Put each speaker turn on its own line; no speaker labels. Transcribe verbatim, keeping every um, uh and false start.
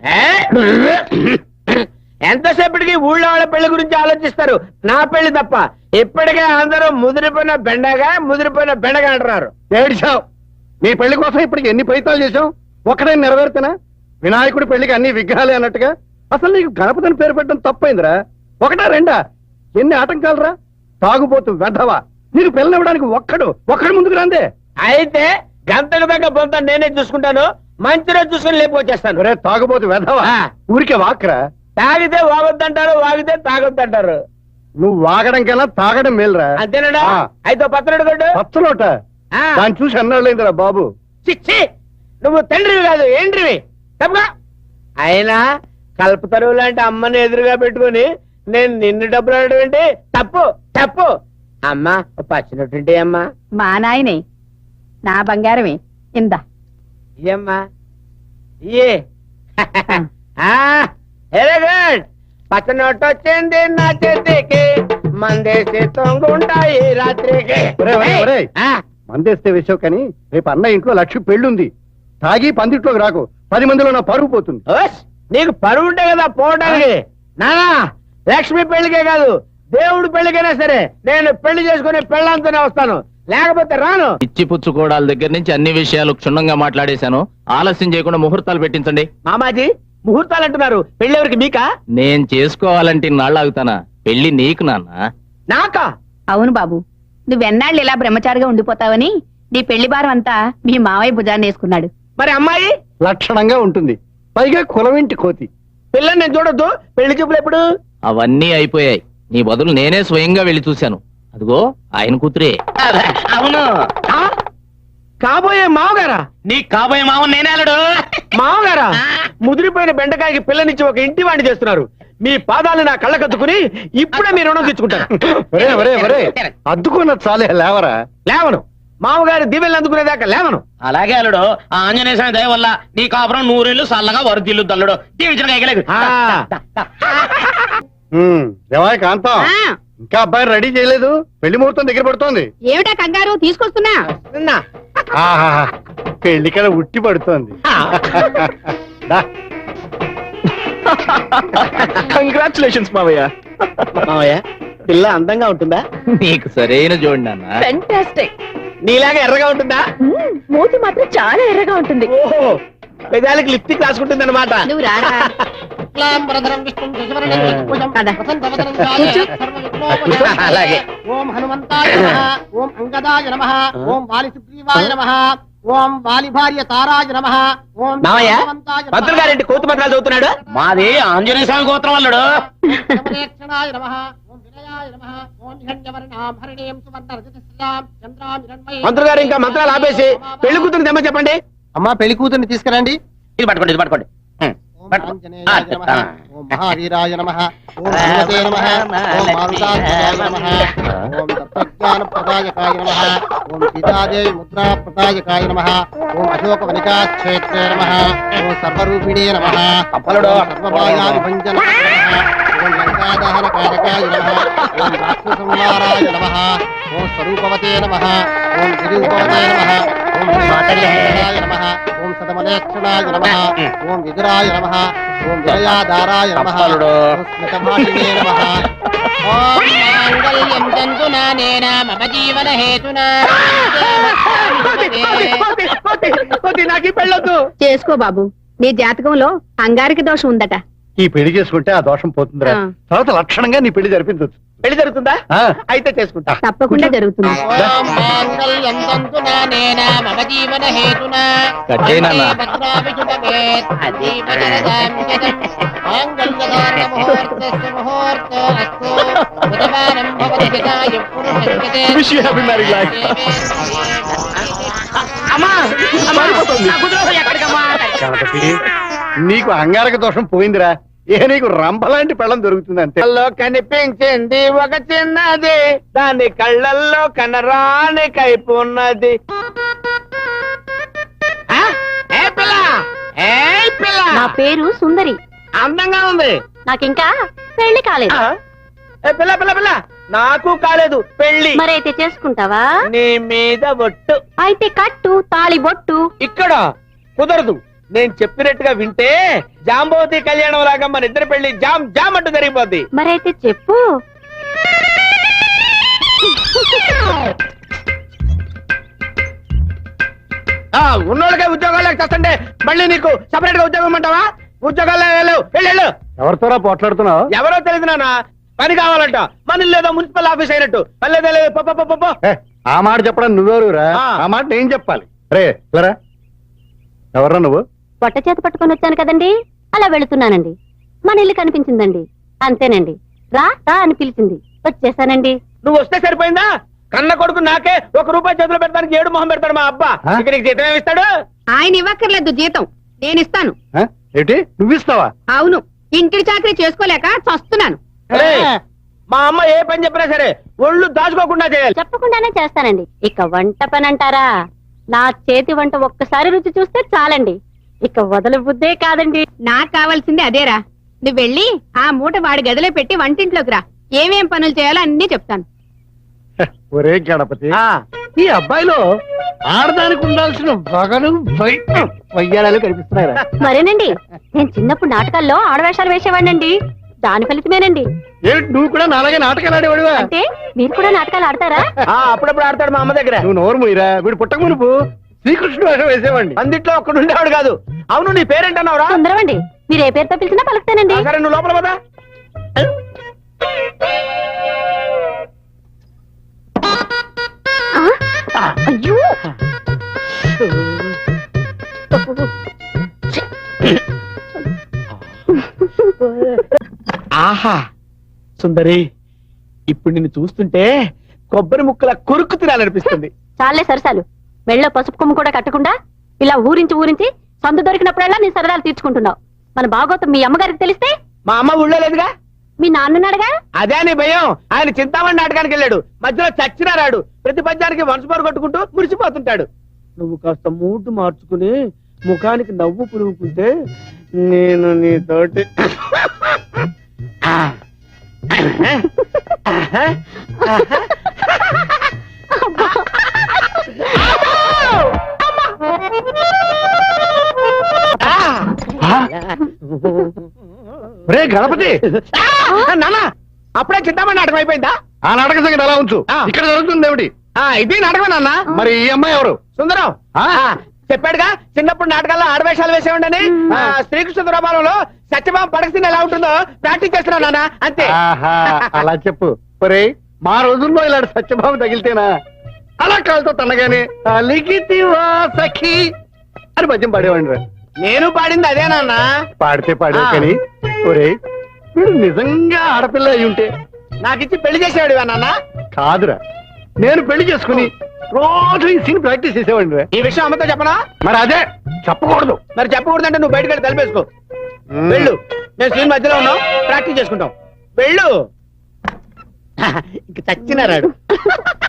ఎంతసేపటికి ఊళ్ళో వాళ్ళ పెళ్లి గురించి ఆలోచిస్తారు, నా పెళ్లి తప్ప. ఇప్పటికే అందరూ ముదిరిపోయిన బెండగా ముదిరిపోయిన బెండగా అంటున్నారు.
ఏడిచావు. నీ పెళ్లి కోసం ఇప్పటికి ఎన్ని ప్రయత్నాలు చేశావు, ఒక్కడే నెరవేరుతున్నా? వినాయకుడి పెళ్లికి అన్ని విగ్రహాలే అన్నట్టుగా అసలు నీకు గణపతిని పేరు పెట్టడం తప్పైందిరా. ఒకటా రెండా? ఎన్ని ఆటంకాలరా. తాగుబోతు వెధవా, నీకు పెళ్ళనివ్వడానికి ఒక్కడు ఒక్కడు ముందుకు రాందే.
అయితే గంటకు దగ్గర బొంత నేనే చూసుకుంటాను, మంచి రోజు చూసుకుని లేపొచ్చేస్తాను.
ఒరే తాగుబోతు వెధవా, ఊరికే వాక్రా.
తాగితే వాగొద్దంటారు, వాగితే తాగొద్దంటారు.
నువ్వు వాగడం కన్నా తాగడం మేలురా.
అంతేనాడా? అయితే పచ్చడి కొట్టు.
పచ్చలోట దాన్ని చూసి అన్నాళ్ళైందిరా బాబు.
చిచ్చి, నువ్వు తండ్రివి కాదు ఏంట్రివి, తప్పుగా. అయినా కల్పతరువు లాంటి అమ్మని ఎదురుగా పెట్టుకుని నేను నిన్ను డబ్బులు అడగడం ఏంటి? తప్పు తప్పు. అమ్మా పచ్చినట్టుంటే అమ్మా.
మా నాయనే, నా బంగారమే, ఇందా
ఇయ్యమ్మా ఇయ్యే. Very good. పచ్చనొట్టు వచ్చింది నా చేతికి, మందేసి తొంగుంటాయి రాత్రికి.
మందేస్తే వేసావు కానీ రేపు అన్న ఇంట్లో లక్ష్మి పెళ్ళుంది. తాగి పందిట్లోకి రాకు, పది మందిలో నా పరుగు పోతుంది.
నీకు పరువు ఉంటే కదా పోవడానికి. నానా లక్ష్మి పెళ్లికే కాదు, దేవుడు పెళ్లికైనా సరే నేను పెళ్లి చేసుకుని పెళ్ళంతోనే వస్తాను, లేకపోతే రాను.
ఇచ్చి పుచ్చుకోవడాల దగ్గర నుంచి అన్ని విషయాలు క్షుణ్ణంగా మాట్లాడేశాను. ఆలస్యం చేయకుండా ముహూర్తాలు పెట్టించండి.
మామాజీ ముహూర్తాలు అంటున్నారు, పెళ్లి ఎవరికి? మీకా?
నేను చేసుకోవాలంటే నాళ్ళు ఆగుతానా? పెళ్లి నీకు నాన్న.
నాకా?
అవును బాబు, నువ్వెన్నాళ్ళు ఇలా బ్రహ్మచారిగా ఉండిపోతావని నీ పెళ్లి భారం అంతా మీ మావయ్య భుజాన్ని వేసుకున్నాడు.
మరి అమ్మాయి
లక్షణంగా ఉంటుంది, పైగా కులవింటి కోతి.
పిల్లని నేను చూడొద్దు, పెళ్లి చూపులు ఎప్పుడు?
అవన్నీ అయిపోయాయి. నీ బదులు నేనే స్వయంగా వెళ్లి చూశాను. అదిగో ఆయన కూతురే.
అవును. కాబోయే మావగారా?
నీ కాబోయే మావ నేనే. అల్లుడు
మావగారా? ముదిరిపోయిన బెండకాయకి పిల్లనిచ్చి ఒక ఇంటి వాణ్ణి చేస్తున్నారు. మీ పాదాలు నా కళ్ళకద్దుకుని ఇప్పుడే మీ రుణం తెచ్చుకుంటారు.
అద్దుకున్న చాలే, లేవరా.
లేవను. మామగారి దివ్యలు అందుకునేదాకా లేవను.
అలాగే అల్లుడు, ఆంజనేయ స్వామి దయ వల్ల నీ కాపురం నూరేళ్లు సల్లగా వరదిల్లు తల్లుడు.
దేవాయ కాంతం, ఇంకా అబ్బాయి రెడీ చేయలేదు, పెళ్లి ముహూర్తం దగ్గర పడుతోంది.
ఏమిటా కంగారు, తీసుకొస్తున్నా.
పెళ్లి కదా ఉట్టి పడుతోంది.
కంగ్రాచులేషన్స్ మావయ్య. మావయ్య పిల్ల అందంగా ఉంటుందా?
నీకు సరైన జోడి నాన్న.
ఫెంటాస్టిక్.
నీలాగా ఎర్రగా ఉంటుందా?
మూతి మాత్రం చాలా ఎర్రగా ఉంటుంది.
ఓహో, పెదాలకి లిప్స్టిక్ రాసుకుంటుంది అనమాట.
నువ్వు రారా.
అలాగే.
ఓం హనుమంతాయ నమః, ఓం అంగదాయ నమః, ఓం వాలి సుగ్రీవాయ నమః, ఓం వాలి భార్య తారాయ నమః, ఓం
మావయ్య మంత్రులు గారింటి కోతి మంత్రాలు చదువుతున్నాడు.
మాది ఆంజనేయ స్వామి గోత్రం అల్లుడు.
సమరేక్షణాయ నమః, ఓం వినయాయ నమః, ఓం హిరణ్యవర్ణాం హరిణీం సువర్ణరజతస్యాం చంద్రాం హిరణ్మయీం.
మంత్రులు గారు ఇంకా మంత్రాలు ఆపేసి పెళ్లి కూతురు తెమ్మ చెప్పండి.
అమ్మా పెళ్లి కూతుర్ని తీసుకురండి.
ఇది పట్టుకోండి, ఇది పట్టుకోండి.
ఆంజనేయాయ నమః, ఓం మహావీరాయ నమః, ఓం హనుమతే నమః, ఓం మారుతాయ నమః, ఓం తత్వజ్ఞాన ప్రదాయకాయ నమః, ఓం సీతాదేవి ముద్రా ప్రదాయకాయ నమః, ఓం అశోక వనికా క్షేత్రే నమః, ఓం సర్వరూపిణే నమః, ఓం సర్వమాయా విభంజన నమః, ఓం లంకాదహన కారకాయ నమః, ఓం రాక్షస సంహారాయ నమః, ఓం స్వరూపవతే నమః, ఓం గిరిరూపవతే నమః, ఓం మాతల్యాయ నమః, ఓం సదమలేక్షణాయ నమః, ఓం విదురాయ నమః, ఓం వినయాదారాయ నమః, ఓం స్మితభాషిణే నమః. ఓం మాంగళ్యం తంతునానేన మమ జీవన హేతునా.
నాకు ఈ పెళ్ళొద్దు.
చేసుకో బాబు, నీ జాతకంలో అంగారికి దోషం ఉందట.
ఈ పెళ్లి చేసుకుంటే ఆ దోషం పోతుందిరా. తర్వాత లక్షణంగా నీ పెళ్లి జరిపించవచ్చు.
పెళ్లి జరుగుతుందా? అయితే చేసుకుంటా.
తప్పకుండా జరుగుతుంది.
ఓం మాంగళ్యం తంతునానేన మమ జీవన హేతునా. మాంగళ్యధారణ ముహూర్తస్య ముహూర్తో అస్తు. బుధవారం భవతి హితాయ పురుషస్యతే.
Wish you happy married life. అమ్మా
నీకు అంగారక దోషం పోయిందిరా. ఏ నీకు రంభలాంటి పెళ్ళం దొరుకుతుంది అంతే.
కళ్ళల్లో కనిపించింది ఒక చిన్నది, దాని కళ్ళల్లో కనరాని కైపు ఉన్నది.
నా పేరు సుందరి.
అందంగా ఉంది.
నాకింకా పెళ్లి కాలేదు.
ఏ పిల్ల పిల్ల పిల్ల, నాకు కాలేదు పెళ్లి.
మరైతే చేసుకుంటావా?
నీ మీద ఒట్టు.
అయితే కట్టు తాళి బొట్టు.
ఇక్కడ కుదరదు. నేను చెప్పినట్టుగా వింటే జాంబవతి కళ్యాణం లాగా మన ఇద్దరి పెళ్లి జామ్ జామ్ అంటూ జరిగిపోద్ది.
మరైతే చెప్పు.
ఆ ఉన్నోళ్ళకే ఉద్యోగాలకు చేస్తుంటే మళ్ళీ నీకు సపరేట్ గా ఉద్యోగం అంటావా? ఉద్యోగాలు వెళ్ళు వెళ్ళు.
ఎవరితోరా పోట్లాడుతున్నావు?
ఎవరో తెలియదు నాన్న, పని కావాలంట. మన లేదో మున్సిపల్ ఆఫీస్ అయినట్టు పల్లెదే లేదు. పో, పో, పో, పో, పో.
ఏ, ఆ మాట చెప్పడం నువ్వెవరురా?
ఆ.
ఆ మాట నేను చెప్పాలి. రే లేరా, ఎవర్రా నువ్వు?
పొట్ట చేత పట్టుకొని వచ్చాను కదండి, అలా వెళుతున్నానండి. మన ఇల్లు కనిపించిందండి, అంతేనండి. రా రా అని పిలిచింది, వచ్చేసానండి.
నువ్వు వస్తే సరిపోయిందా? కన్న కొడుకు నాకే ఒక రూపాయి చేతిలో పెడతానికి ఏడు మొహం పెడతాడు మా అబ్బా.
ఆ?
ఇక నీకు జీతం ఏమిస్తాడు?
ఆయన ఇవ్వక్కర్లేదు జీతం, నేను ఇస్తాను.
ఆ? ఏంటి నువ్విస్తావా?
అవును, ఇంటికి చాకరీ చేసుకోలేక చస్తున్నాను.
ఏయ్, మా అమ్మ ఏ పని చెప్పినా సరే ఒళ్ళు దాచుకోకుండా చేయాలి.
చెప్పకుండానే చేస్తానండి. ఇక వంట పని అంటారా, నా చేతి వంట ఒక్కసారి రుచి చూస్తే చాలండి, ఇక వదల బుద్ధే కాదండి.
నాకు కావాల్సింది అదేరా. నువ్వు వెళ్ళి ఆ మూట వాడి గదిలో పెట్టి వంటింట్లోకి రా. ఏమేం పనులు చేయాలో అన్నీ చెప్తాను.
హ, ఒరే గణపతి,
ఆ,
ఈ అబ్బాయిలో ఆడదానికి ఉండాల్సిన వగలు వై- వయ్యారాలు కనిపిస్తున్నాయిరా.
మరేనండి, నేను చిన్నప్పుడు నాటకాల్లో ఆడవేషాలు వేసేవాడినండి, దాని ఫలితమేనండి.
ఏమిటి నువ్వు కూడా నాలాగే నాటకాలు ఆడేవాడివా?
అంటే మీరు కూడా నాటకాలు ఆడతారా?
ఆ, అప్పుడప్పుడు ఆడతాడు మా అమ్మ దగ్గర.
నువ్వు నోరు మూయిరా, వీడు పుట్టక మునుపు శ్రీకృష్ణుడు వేషం వేసేవాడిని.
అందిట్లో ఒక్కడు ఉండేవాడు కాదు. అవును, నీ పేరేంటన్నావురా?
సుందరమండి. మీరు ఏ పేరుతో పిలిచినా పలుకుతానండి.
సరే నువ్వు లోపల పదా.
ఆ? అయ్యో,
ఆహా సుందరి, ఇప్పుడు నిన్ను చూస్తుంటే కొబ్బరి ముక్కల కొరుకు తినాలనిపిస్తుంది.
చాలే సరసాలు. మెళ్ళో పసుపు కొమ్ము కూడా కట్టకుండా ఇలా ఊరించి ఊరించి సందు దొరికినప్పుడల్లా నీ సరదాలు తీర్చుకుంటున్నావు. మన బాగోతం మీ అమ్మగారికి తెలిస్తే?
మా అమ్మ ఊళ్ళో లేదుగా.
మీ నాన్నన్నాడుగా.
అదే నీ భయం. ఆయన చింతామణి నాటకానికి వెళ్ళాడు, మధ్యలో చచ్చినా రాడు. ప్రతి పద్యానికి వంశపోరు కొట్టుకుంటూ మురిసిపోతుంటాడు. నువ్వు కాస్త మూటు మార్చుకుని ముఖానికి నవ్వు పులుముకుంటే నేను నీతోటి
ఒరే గణపతి,
నాన్న, అప్పుడే చింతామణి నాటకం అయిపోయిందా?
ఆ నాటక సంగతి అలా ఉంచు.
ఆ.
ఇక్కడ జరుగుతుంది ఏమిటి?
ఆ, ఇది నాటకం నాన్న.
మరి ఈ అమ్మాయి ఎవరు?
సుందరం
ఆ?
ఆ, చెప్పాడుగా చిన్నప్పుడు నాటకాల్లో ఆడవేషాలు వేసేవాడని. ఆ, శ్రీకృష్ణ దురాపాలంలో సత్యభామ పడకసిన ఎలా ఉంటుందో ప్రాక్టీస్ చేస్తున్నా నాన్న, అంతే.
ఆహా, అలా చెప్పు. ఒరే, మా రోజుల్లో ఇలాంటి సత్యభావం తగిలితేనా అలా కాలుతో తనగానే అలిగితివా సఖి అని పద్యం పాడేవాడిని రా.
నేను పాడింది అదే నాన్న.
పాడితే పాడే
ఆ.
కానీ ఒరే, వీడు నిజంగా ఆడపిల్ల అయి ఉంటే
నాకిచ్చి పెళ్లి చేసేవాడివా నాన్న?
కాదురా, నేను పెళ్లి చేసుకుని రోజు ఈ సీన్ ప్రాక్టీస్ చేసేవాడిని రా.
ఈ విషయం అమ్మతో చెప్పనా?
మరి అదే చెప్పకూడదు.
మరి చెప్పకూడదంటే నువ్వు బయటకు వెళ్ళి తలపేసుకో. వెళ్ళు, నేను సీన్ మధ్యలో ఉన్నాం, ప్రాక్టీస్ చేసుకుంటాం. వెళ్ళు. ఇంక చచ్చినారాడు.